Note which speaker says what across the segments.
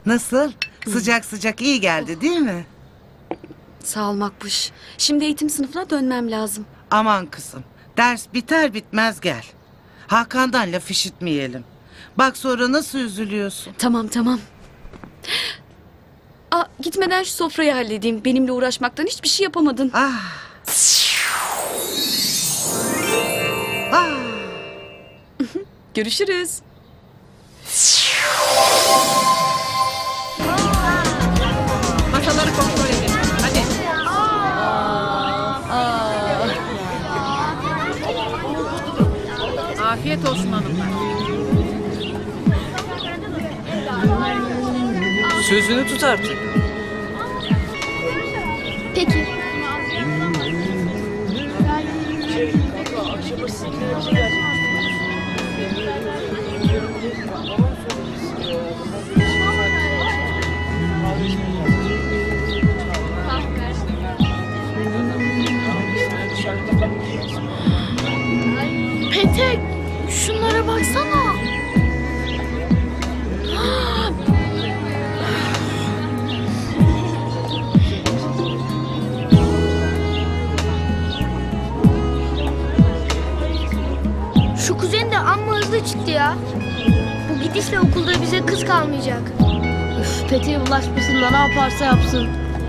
Speaker 1: Nasıl? Sıcak sıcak iyi geldi değil mi?
Speaker 2: Sağ ol Makbuş. Şimdi eğitim sınıfına dönmem lazım.
Speaker 1: Aman kızım. Ders biter bitmez gel. Hakan'dan laf işitmeyelim. Bak sonra nasıl üzülüyorsun.
Speaker 2: Tamam tamam. Gitmeden şu sofrayı halledeyim. Benimle uğraşmaktan hiçbir şey yapamadın.
Speaker 1: Ah. Ah.
Speaker 2: Görüşürüz.
Speaker 3: Masaları kontrol edin. Hadi. Afiyet olsun hanımlar.
Speaker 4: Sözünü tut artık.
Speaker 5: Peki. Petek, şunlara baksana. Şu kuzen de amma hızlı çıktı ya. Bu gidişle okulda bize kız kalmayacak.
Speaker 6: Üf, Peteğe bulaşmasın da ne yaparsa yapsın.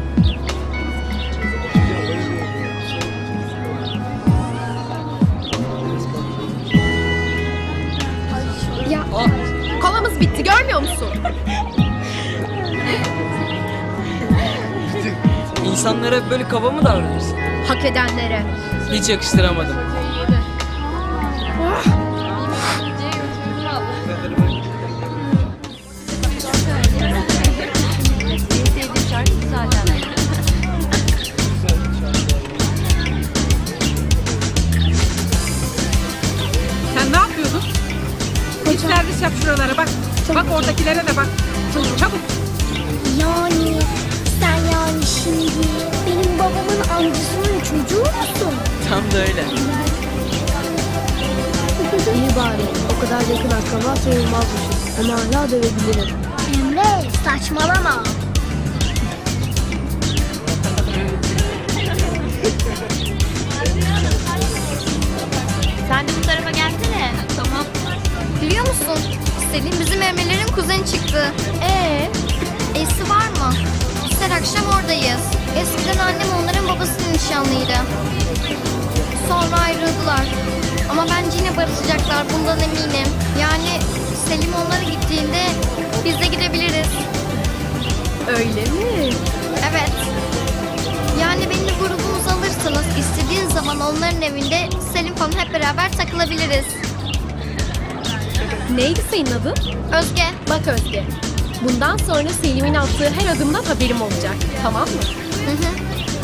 Speaker 5: Ya kolamız bitti görmüyor musun?
Speaker 4: İnsanlara hep böyle kaba mı davranırsın?
Speaker 5: Hak edenlere.
Speaker 4: Hiç yakıştıramadım.
Speaker 3: Sen ne yapıyordun? Hiç servis yap şuralara bak. Bak oradakilere de bak. Çabuk.
Speaker 5: Yani sen yani şimdi benim babamın amcasının çocuğu musun?
Speaker 4: Tam da öyle.
Speaker 6: İyi bari. O kadar yakın akraba sayılmazmışız. Ama hala dövebilirim.
Speaker 5: Emre saçmalama.
Speaker 7: Sen de bu tarafa gelsene. Tamam. Biliyor musun? Selin bizim Emre'lerin kuzeni çıktı. Esi var mı? Biz her akşam oradayız. Eskiden annem onların babasının nişanlıydı. Sonra ayrıldılar. Ama bence yine barışacaklar, bundan eminim. Yani Selim onlara gittiğinde biz de gidebiliriz.
Speaker 6: Öyle mi?
Speaker 7: Evet. Yani beni grubumuza alırsanız istediğin zaman onların evinde Selim falan hep beraber takılabiliriz.
Speaker 6: Neydi senin adın?
Speaker 7: Özge.
Speaker 6: Bak Özge. Bundan sonra Selim'in attığı her adımdan haberim olacak. Tamam mı?
Speaker 7: Hı hı.